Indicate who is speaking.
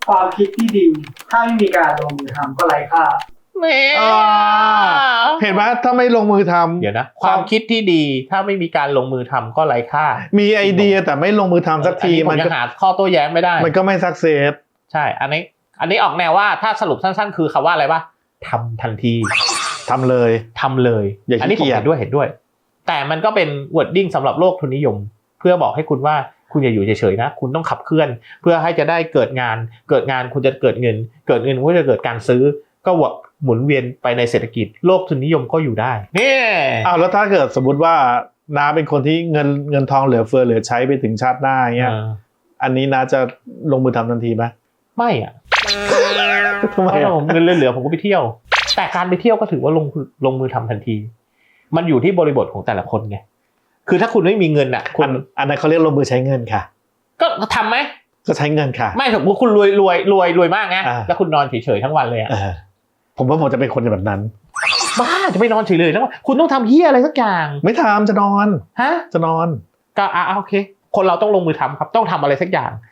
Speaker 1: ความคิดที่ดีถ้าไม่มีการลงมือทำก็ไร้ค่า
Speaker 2: แม่
Speaker 3: เห็นไหมถ้าไม่ลงมือทำ
Speaker 2: เดี๋ยวนะความคิดที่ดีถ้าไม่มีการลงมือทำก็ไร้ค่า
Speaker 3: มีไอเดียแต่ไม่ลงมือทำสักที
Speaker 2: มันก็หาข้อโต้แย้งไม่ได้
Speaker 3: มันก็ไม่สักเซส
Speaker 2: ใช่อันนี้ออกแนวว่าถ้าสรุปสั้นๆคือคำว่าอะไรวะทำทันที
Speaker 3: ทำเลยอย่า
Speaker 2: อันนี้ผมเห็นด้วยแต่มันก็เป็น wording สำหรับโลกทุนนิยมเพื่อบอกให้คุณว่าคุณอย่าอยู่เฉยๆนะคุณต้องขับเคลื่อนเพื่อให้จะได้เกิดงานคุณจะเกิดเงินก็จะเกิดการซื้อก็หมุนเวียนไปในเศรษฐกิจโลกทุนนิยมก็อยู่ได้นี่
Speaker 3: แล้วถ้าเกิดสมมติว่าน้าเป็นคนที่เงินทองเหลือเฟือเหลือใช้ไปถึงชาติหน้าเงี้ยอันนี้น้าจะลงมือทำทันทีไหม
Speaker 2: ไม่อ่ะ
Speaker 3: ทำไม
Speaker 2: เงินเหลือผมก็ไปเที่ยวแต่การไปเที่ยวก็ถือว่าลงมือทำทันทีมันอยู่ที่บริบทของแต่ละคนไงคือถ้าคุณไม่มีเงินอ่ะ
Speaker 3: อันนั้นเขาเรียกลงมือใช้เงินค่ะ
Speaker 2: ก็ทำไหม
Speaker 3: ก็ใช้เงินค่ะ
Speaker 2: ไม่สมมติคุณรวยมากไงแล้วคุณนอนเฉยๆทั้งวันเลยอ่ะ
Speaker 3: ผมว่าผมจะเป็นคนแบบนั้น
Speaker 2: บ้าจะไม่นอนเฉยเลยแล้วคุณต้องทำเหี้ยอะไรสักอย่าง
Speaker 3: ไม่ทำจะนอน
Speaker 2: ฮะ
Speaker 3: จะนอน
Speaker 2: ก็โอเคคนเราต้องลงมือทำครับต้องทำอะไรสักอย่าง